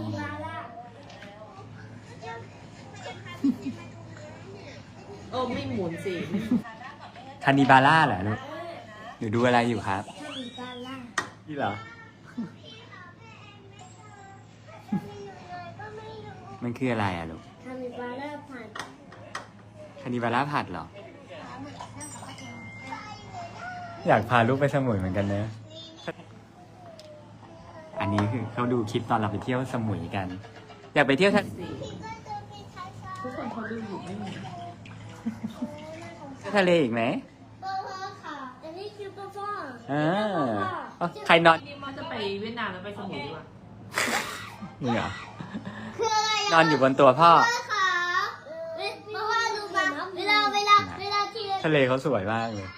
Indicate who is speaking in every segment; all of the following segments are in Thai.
Speaker 1: นิบาร่าโอ้ไม่หมุนสิ
Speaker 2: คานิบาร่าเหรอลูกหนูดูอะไรอยู่ครับ
Speaker 1: คานิบาร่า
Speaker 2: นี่เหรอมันคืออะไรอ่ะลูก
Speaker 1: คานิบาร่าผัด
Speaker 2: คานิบาร่าผัดเหรออยากพาลูกไปสมุยเหมือนกันเนอะอันนี้คือเขาดูคลิปตอนเราไปเที่ยวสมุยกันอยากไปเที่ยวทะเล
Speaker 1: ทุกคนเขาดูอยู่ไม่มี
Speaker 2: ทะเลอีกไหม
Speaker 1: พ่อค่ะอันนี้คือพ่อ
Speaker 2: ใครนอน
Speaker 1: นี่มันจะไปเวียดนามแล้วไปสมุยดีกว่า
Speaker 2: นี่เหรอ
Speaker 1: คืออะไร
Speaker 2: นอนอยู่บนตัวพ่อ
Speaker 1: ค่ะพ่อดูมาเวลาที่
Speaker 2: ทะเลเขาสวยมากเลย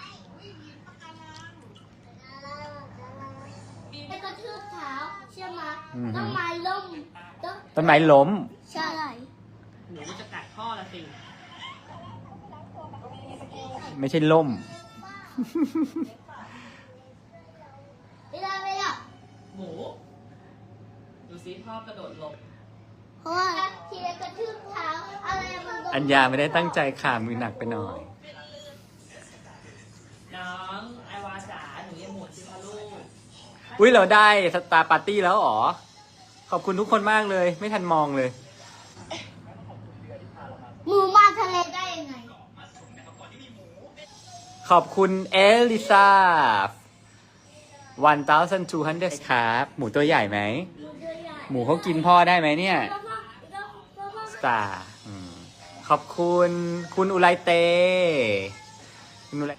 Speaker 1: ไปกระทืบเท้าใช่ไหมต้นไม้ล้ม
Speaker 2: ต้นไม้ล้ม
Speaker 1: ใช่หนูจะกัดพ่อละสิ
Speaker 2: ไม่ใช่ล่ม
Speaker 1: เวลาหมูดูสิพ่อกระโดดลงเพราะว่าทีละกระทืบเท้าอะไรมัน
Speaker 2: อัญญาไม่ได้ตั้งใจขามือหนักไปหน่อย
Speaker 1: น้องไอวาจ๋าหนูยังหมุนสิคะลูก
Speaker 2: อุ้ยเราได้สตาร์ปาร์ตี้แล้วอ๋อขอบคุณทุกคนมากเลยไม่ทันมองเลย
Speaker 1: หมูมาทะเลได้ยังไง
Speaker 2: ขอบคุณเอลิซา1,200ครับหมูตัวใหญ่ไหมหมูเขากินพ่อได้ไหมเนี่ยสตาร์ขอบคุณคุณอุไรเตคุณอุไร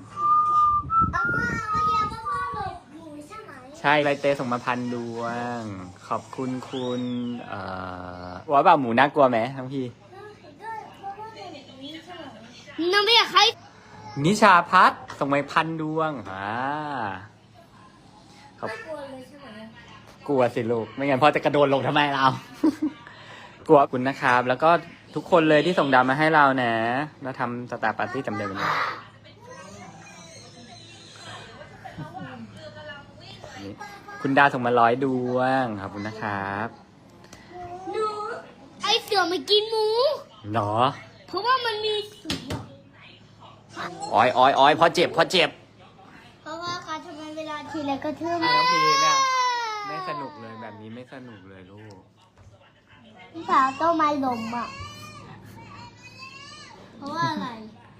Speaker 2: ใช่อุไรเตส่งมา1,000 ดวงขอบคุณคุณว่าแบบหมูน่ากลัวไหมทั้งพี่
Speaker 1: น้องไม่อยากให้
Speaker 2: นิชาพัฒน์ส่งมา1,000 ดวง
Speaker 1: ไม่กลัวเลยใช่ไหม
Speaker 2: กลัวสิลูกไม่งั้นพ่อจะกระโดดลงทำไมเรา กลัวคุณนะครับแล้วก็ทุกคนเลยที่ส่งดาวมาให้เรานะเราทำสตาร์ปาร์ตี้จำเดิมกันคุณดาวส่งมา100 ดวงขอบคุณนะครับ
Speaker 1: หนูไอเสือมากินหมู
Speaker 2: หรอ
Speaker 1: เพราะว่ามันมีเสือ
Speaker 2: อ้อยพอเจ็บ
Speaker 1: เพราะว่าการทำไมเวลาทีไรก็ทื่อ
Speaker 2: น้องพีเนี่ยไม่สนุกเลยแบบนี้ไม่สนุกเลยลูก
Speaker 1: พี่สาวต้นไม้ล้มอ่ะเพราะว่าอะไร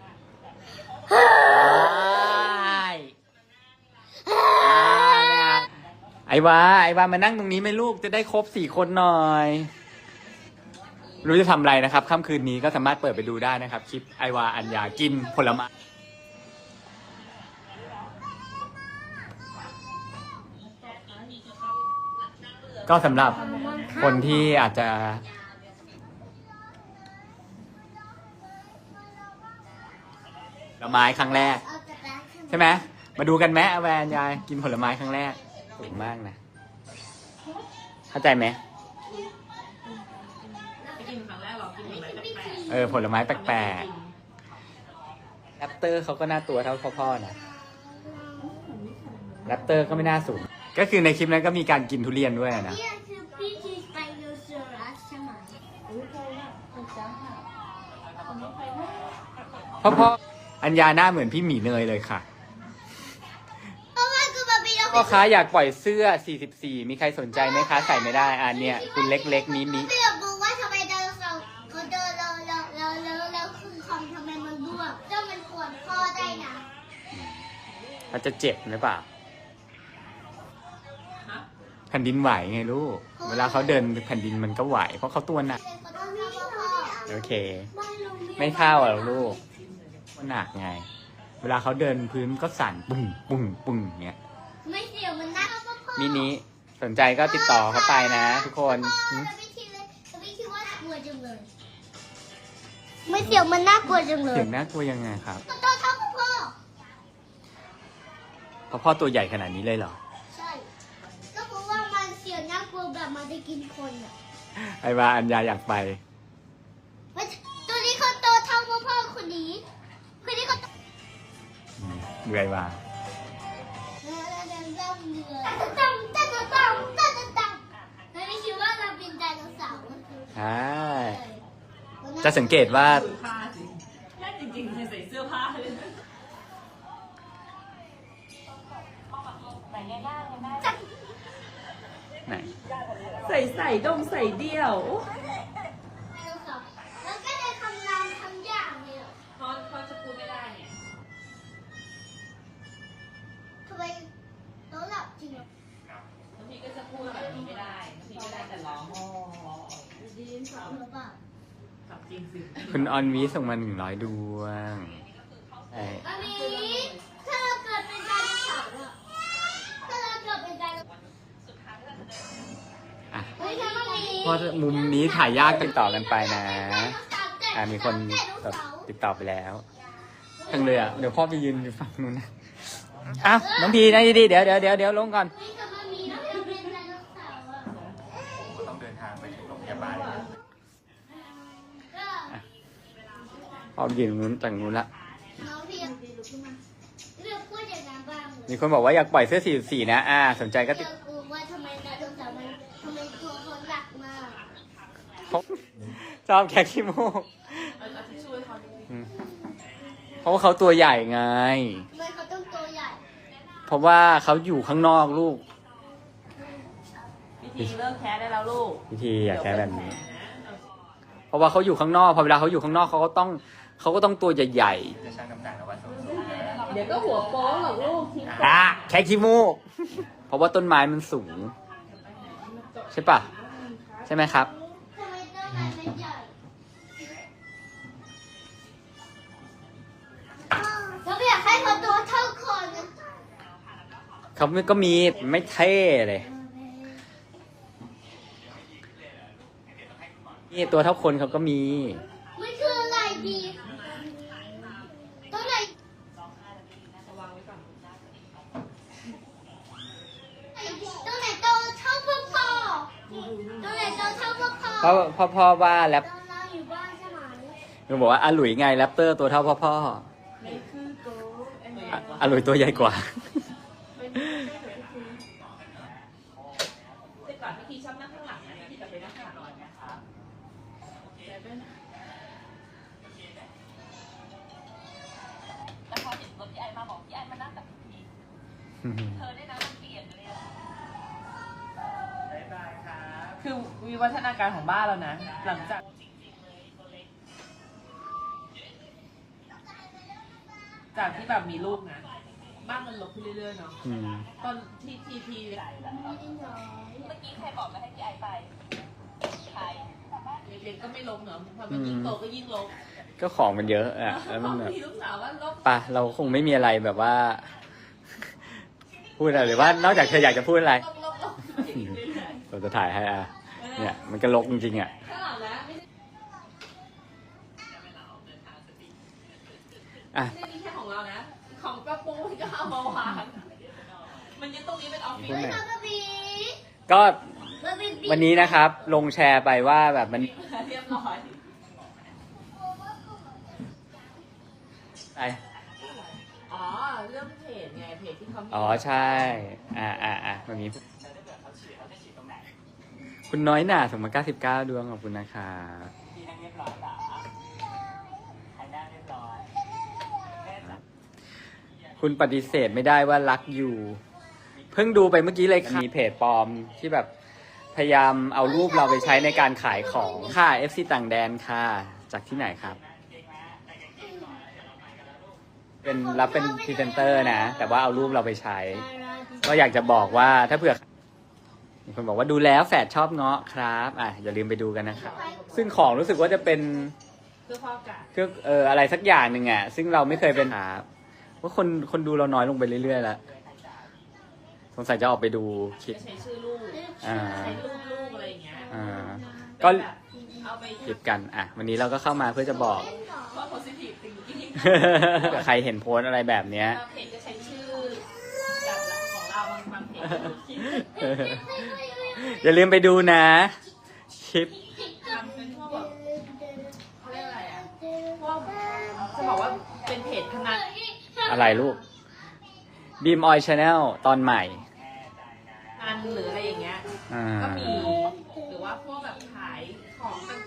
Speaker 2: ไอวามานั่งตรงนี้ไหมลูกจะได้ครบ4 คนหน่อยรู้จะทำอะไรนะครับค่ำคืนนี้ก็สามารถเปิดไปดูได้นะครับคลิปไอวาอัญญากินผลไม้ก็สำหรับคนที่อาจจะผลไม้ครั้งแรกใช่ไหมมาดูกันไหมแวนยายกินผลไม้ครั้งแรกสูงมากนะเข้าใจไหมผลไม้แปลกๆแรปเตอร์เขาก็น่าตัวเท่าพ่อๆนะแรปเตอร์ก็ไม่น่าสูงก็คือในคลิปนั้นก็มีการกินทุเรียนด้วยนะพ่ออัญญาหน้าเหมือนพี่หมีเนยเลยค่ะพ่อค้าอยากปล่อยเสื้อ44มีใครสนใจไหมคะใส่ไม่ได้เนี่ยคุณเล็กๆนี้
Speaker 1: ไม่อยากรู้ว่าทำไมเดินเขาเดินแล้วคือคอมทำไมมันร่วงเจ้ามันปวดคอได้นะ
Speaker 2: เขาจะเจ็บหรือเปล่าแผ่นดินไหวไงลูกเวลาเขาเดินแผ่นดินมันก็ไหวเพราะเขาตัวหนักโอเคไม่เข้าหรอกลูกมันหนักไงเวลาเขาเดินพื้นก็สั่นปุ้งปุ้งปุ้งเงี้ย
Speaker 1: ไม่เสียวมันน่า
Speaker 2: มินิสนใจก็ติดต่อเขาไปนะทุกคน
Speaker 1: ไม่เสียวมันน่ากลัวจังเลย
Speaker 2: เสียงน่ากลัวยังไงครับ
Speaker 1: ตัวเท่าพ่อ
Speaker 2: เพราะพ่อตัวใหญ่ขนาดนี้เลยเหรอ
Speaker 1: ใช่ก็เพราะว่ามันเสียวน่ากลัวแบบมันจะกินคนอ่ะ
Speaker 2: ไอ้ว่าอัญญาอยากไป
Speaker 1: ตัวนี้เขาโตเท่าพ่อคนนี้เขา
Speaker 2: เบื่อว่า
Speaker 1: ไม่คิดว่าเราเป็น
Speaker 2: ใช่จะสังเกตว่า
Speaker 3: ผ้าสิแค่จริงๆใส่เสื้อผ้าเลยนะ
Speaker 2: ไหน
Speaker 3: ใส่ดงใส่เดี่ยว
Speaker 1: แล้วก็จะทำงานทำอย่างเนี่ย
Speaker 3: เขาจะพูดไม่ได้เนี่ย
Speaker 1: ทำไมเขาหลับจริงเหรอบ
Speaker 3: างทีก็จะพูดแบบนี้ไม่ได้บางทีก็ได้แต่ร้องดีนสาว
Speaker 1: หรือเปล่า
Speaker 3: กับจริงสิ
Speaker 2: คุณออนวีส่งมา100 ดวงใช่
Speaker 1: อันนี้ถ้าเราเกิดเป็นไดโนเสาร์อะถ้าเราเกิดเป็นไดโนเสาร์
Speaker 2: อ่ะ
Speaker 1: ไม่ใช่ว่ามี
Speaker 2: เพราะมุมนี้ถ่ายยากติดต่อกันไปนะ มีคน
Speaker 1: ไดโน
Speaker 2: แบบ
Speaker 1: เสาร์
Speaker 2: ติดต่อไปแล้วทั้งเลยอ่ะ เดี๋ยวพ่อไปยืนอยู่ฝั่งนู้นนะอ้าวน้องพีนะดีๆเดี๋ยวลงก่อน
Speaker 1: ไม่จะมามีแล้วจะเป็นไดโนเสาร์อะ
Speaker 2: ต้องเดินทางไปถึงโรงพยาบาล
Speaker 1: ก็
Speaker 2: พ่อไปยืนนู้นจากนู้นละ
Speaker 1: น้องพี่ลุกขึ้นมาเลือกพูดอย่างนั้นบ้าง
Speaker 2: มีคนบอกว่าอยากปล่อยเสื้อสีนะสนใจก็ติด
Speaker 1: เลือกกูว่าทำไมไดโนเสาร์มันทำไมตัวคนหนักมาก
Speaker 2: ชอบแคคขี้มูก
Speaker 3: เอาที่ช่วยเขาดิ
Speaker 2: เพราะว่าเขาตัวใหญ่ไง
Speaker 1: ทำไมเขาต้องตัวใหญ่
Speaker 2: เพราะว่าเขาอยู่ข้างนอกลูก
Speaker 3: พิธีเลิกแค่ได้แล้วลูก
Speaker 2: พิธีอยากแค่แบบนี้ เพราะว่าเขาอยู่ข้างนอกพอเวลาเขาอยู่ข้างนอกเขาก็ต้องตัวใหญ่ๆจะชั่งน้ำหนักแล้วว่า
Speaker 3: เดี๋ยวก็หัวโป๊หรอกลูกทิ้ง
Speaker 2: แค่ขี้มูก เพราะว่าต้นไม้มันสูง ใช่ปะใช่ไหมครับ
Speaker 1: ทำไมตัวใหญ่มันใหญ่เราไม่อยากให้เขาตัวเท่าคนนะ
Speaker 2: เขาก็มีไม่เท่เลยนี่ตัวเท่าคนเขาก็มี
Speaker 1: มันคืออะไรดีตัวไหนตัวไหนโตเท่าพ่อพ่อตัวไหนโตเท่าพ่อพ่อ
Speaker 2: เพราะพ่อว่าแรป
Speaker 1: ตอนเราอยู่บ้านใช่ไหม
Speaker 2: มันบอกว่าอาหลุยไงแรปเตอร์ตัวเท่าพ่อ
Speaker 3: ไม่คือโก
Speaker 2: อาหลุยตัวใหญ่กว่า
Speaker 3: แต่ก่อนพิธีชอบนั่งข้างหลังนะพิธีจะไปนั่งข้างหลังหน่อยนะคะแล้วพอเห็นรถพี่ไอมาบอกพี่ไอมานั่งกับพิธีเธอได้นะมันเปลี่ยนเลยคือวิวัฒนาการของบ้านเรานะ หลังจากที่แบบมีลูกนะ บ้านมันลกขึ้นเรื่อยๆเนาะ
Speaker 2: อืม
Speaker 3: ตอนที่ทีใหญ่แล้วเมื่อกี้ใครบอกมาให้พี่ไอไปใครเด็กๆก็ไม่ลกเนาะพอมันยิ่งโตก็ยิ่งลก
Speaker 2: ก็ของมันเยอะอ่ะแล้วมันแบบ
Speaker 3: มีลูกสาวว่าลก
Speaker 2: ปะเราคงไม่มีอะไรแบบว่า พูดอะไรหรือว่านอกจากเธออยากจะพูดอะไร
Speaker 3: ลกอย่างนี้เรื่อย
Speaker 2: เราจะถ่ายให้อ่ะ เนี่ยมันก็ลกจริงๆอ่ะ
Speaker 3: ๆข้างหลังนะไม่
Speaker 2: อ่ะ
Speaker 3: ได้มีแค่ของเรานะ ของกระปูมันก็เอามาวางมันยึดตรงนี้เป็นออฟฟิศ
Speaker 2: พูดหน่อย
Speaker 1: บาร์บี
Speaker 2: ก็
Speaker 1: บาร์บี
Speaker 2: วันนี้นะครับ ลงแชร์ไปว่าแบบมัน
Speaker 3: เรียบร้อย
Speaker 2: ไป
Speaker 3: อ๋อเรื่องเพจไงเพจที่เขามี
Speaker 2: อ๋อใช่มันมีคุณน้อยหน่าส่งมา99 ดวงขอบคุณนะครับคุณปฏิเสธไม่ได้ว่ารักอยู่ เพิ่งดูไปเมื่อกี้เลยค่ะมีเพจปลอมที่แบบพยายามเอารูปเราไปใช้ในการขายของค่ะ FC ต่างแดนค่ะ จากที่ไหนครับ เป็นรับเป็นพรีเซนเตอร์นะ แต่ว่าเอารูปเราไปใช้ ก็อยากจะบอกว่าถ้าเผื่อมีคนบอกว่าดูแล้วแฝดชอบเงาะครับอย่าลืมไปดูกันนะครับซึ่งของรู้สึกว่าจะเป็น
Speaker 3: เพื่อความอากาศ
Speaker 2: เครื่องอะไรสักอย่างหนึ่งซึ่งเราไม่เคยเป็นครับว่าคนดูเราน้อยลงไปเรื่อยๆแล้วสงสัยจะออกไปดูคลิป
Speaker 3: จะใช้ชื่อลูก
Speaker 2: อ่า
Speaker 3: ใช้ลูกอะไรอย่างเงี้ย
Speaker 2: ก็
Speaker 3: แบบเอาไป
Speaker 2: คลิปกันวันนี้เราก็เข้ามาเพื่อจะบอก
Speaker 3: เพราะ positive thinking
Speaker 2: ใครเห็นโพสต์อะไรแบบเนี้ย
Speaker 3: บางเพจก็ใช้ชื่อแบบของเราบางเพจก็คิด
Speaker 2: อย่าลืมไปดูนะคลิป
Speaker 3: ทำเป็นพวกแบบเขาเรียกอะไรอ่ะพวกจะบอกว่าเป็นเพจพนัน
Speaker 2: อะไรลูกบีมออยชาแนลตอนใหม่
Speaker 3: หรืออะไรอย่างเงี้ย ก็มีหรือว่าพวกแบบขาย